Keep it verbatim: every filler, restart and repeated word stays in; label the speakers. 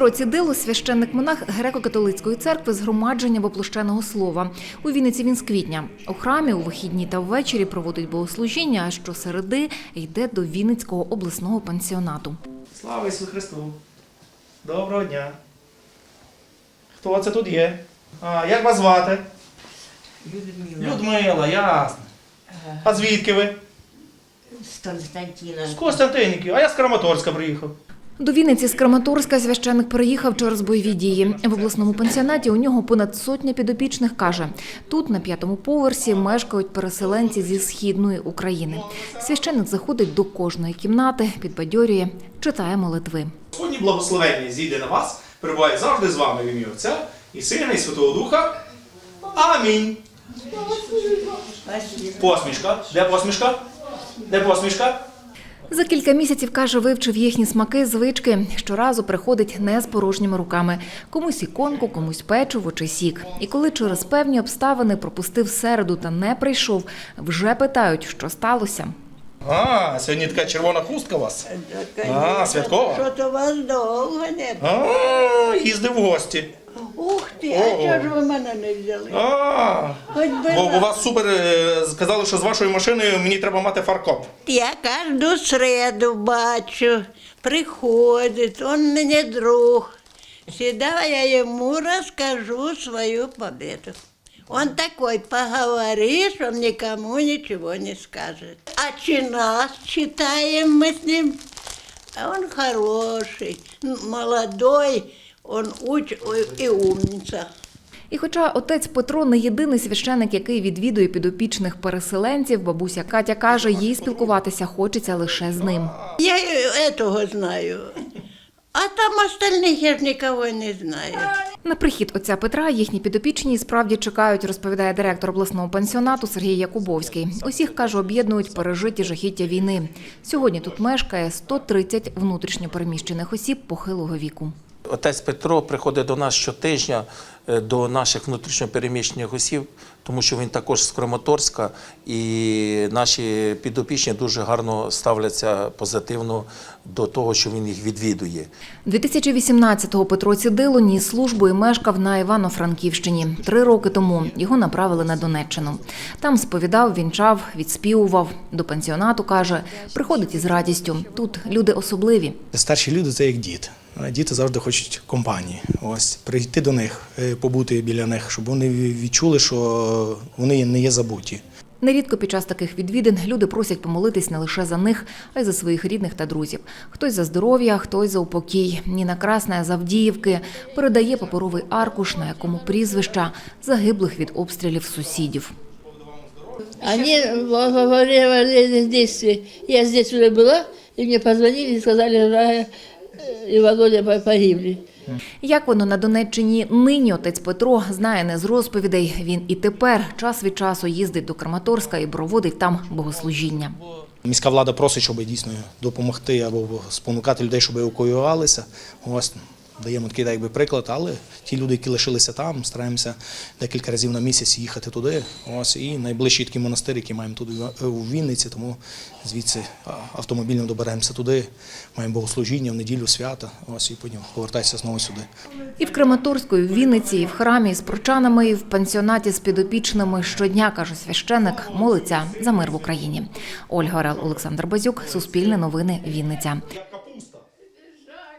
Speaker 1: Петро Цідило – священник-монах греко-католицької церкви Згромадження Воплощеного Слова. У Вінниці він з квітня. У храмі у вихідні та ввечері проводить богослужіння, а щосереди йде до Вінницького обласного пансіонату.
Speaker 2: Слава Ісусу Христу! Доброго дня! Хто це тут є? А, як вас звати?
Speaker 3: Людмила.
Speaker 2: Людмила, ясно. А звідки ви?
Speaker 3: З Константина.
Speaker 2: З Костянтинівки, а я з Краматорська приїхав.
Speaker 1: До Вінниці з Краматорська священник переїхав через бойові дії. В обласному пансіонаті у нього понад сотня підопічних, каже. Тут, на п'ятому поверсі, мешкають переселенці зі Східної України. Священник заходить до кожної кімнати, підбадьорює, читає молитви.
Speaker 2: Господні благословення зійде на вас, перебуває завжди з вами в ім'я Отця і Сина, і Святого Духа. Амінь. Посмішка. Де посмішка? Де посмішка?
Speaker 1: За кілька місяців, каже, вивчив їхні смаки, звички. Щоразу приходить не з порожніми руками. Комусь іконку, комусь печиво чи сік. І коли через певні обставини пропустив середу та не прийшов, вже питають, що сталося.
Speaker 2: А, сьогодні така червона хустка у вас? А, святкова?
Speaker 3: Що то вас довго не було?
Speaker 2: А, їздив в гості.
Speaker 3: Ух ти, а чого ж ви мене не взяли?
Speaker 2: А,
Speaker 3: Хоч би
Speaker 2: бо у
Speaker 3: раз.
Speaker 2: вас супер, е, сказали, що з вашою машиною мені треба мати фаркоп.
Speaker 3: Я кожну середу бачу, приходить, он мені друг. Всегда я ему расскажу свою победу. Он такой, поговоришь, он никому ничего не скажет. А час читаем мы с ним, а он хороший, молодой, он уч и умница.
Speaker 1: І хоча отець Петро не єдиний священик, який відвідує підопічних переселенців, бабуся Катя каже, їй спілкуватися хочеться лише з ним.
Speaker 3: Я этого знаю, а там остальных я ж никого не знаю.
Speaker 1: На прихід отця Петра їхні підопічні справді чекають, розповідає директор обласного пансіонату Сергій Якубовський. Усіх, каже, об'єднують пережиті жахіття війни. Сьогодні тут мешкає сто тридцять внутрішньо переміщених осіб похилого віку.
Speaker 4: Отець Петро приходить до нас щотижня, до наших внутрішньопереміщених осіб, тому що він також з Краматорська, і наші підопічні дуже гарно ставляться позитивно до того, що він їх відвідує.
Speaker 1: дві тисячі вісімнадцятого Петро Цідило ніс службу і мешкав на Івано-Франківщині. Три роки тому його направили на Донеччину. Там сповідав, вінчав, відспівував. До пансіонату, каже, приходить із радістю. Тут люди особливі.
Speaker 5: Старші люди – це як діти. Діти завжди хочуть компанії. Ось прийти до них, побути біля них, щоб вони відчули, що вони не є забуті.
Speaker 1: Нерідко під час таких відвідин люди просять помолитись не лише за них, а й за своїх рідних та друзів. Хтось за здоров'я, хтось за упокій. Ніна Красна з Авдіївки передає паперовий аркуш, на якому прізвища загиблих від обстрілів сусідів.
Speaker 6: Они во время военных действий, я здесь уже была, и мне позвонили и сказали, что и Володя погибли.
Speaker 1: Як воно на Донеччині нині, отець Петро знає не з розповідей. Він і тепер час від часу їздить до Краматорська і проводить там богослужіння.
Speaker 5: Міська влада просить, щоб дійсно допомогти або спонукати людей, щоб евакуювалися. Ось даємо такий якби приклад, але ті люди, які лишилися там, стараємося декілька разів на місяць їхати туди. Ось і найближчий такий монастир, який маємо тут у Вінниці, тому звідси автомобільно доберемося туди, маємо богослужіння в неділю, свята, ось і потім повертатися знову сюди.
Speaker 1: І в Краматорську, і в Вінниці, і в храмі з прочанами, і в пансіонаті з підопічними щодня, каже священик, молиться за мир в Україні. Ольга Орел, Олександр Базюк, Суспільне новини, Вінниця.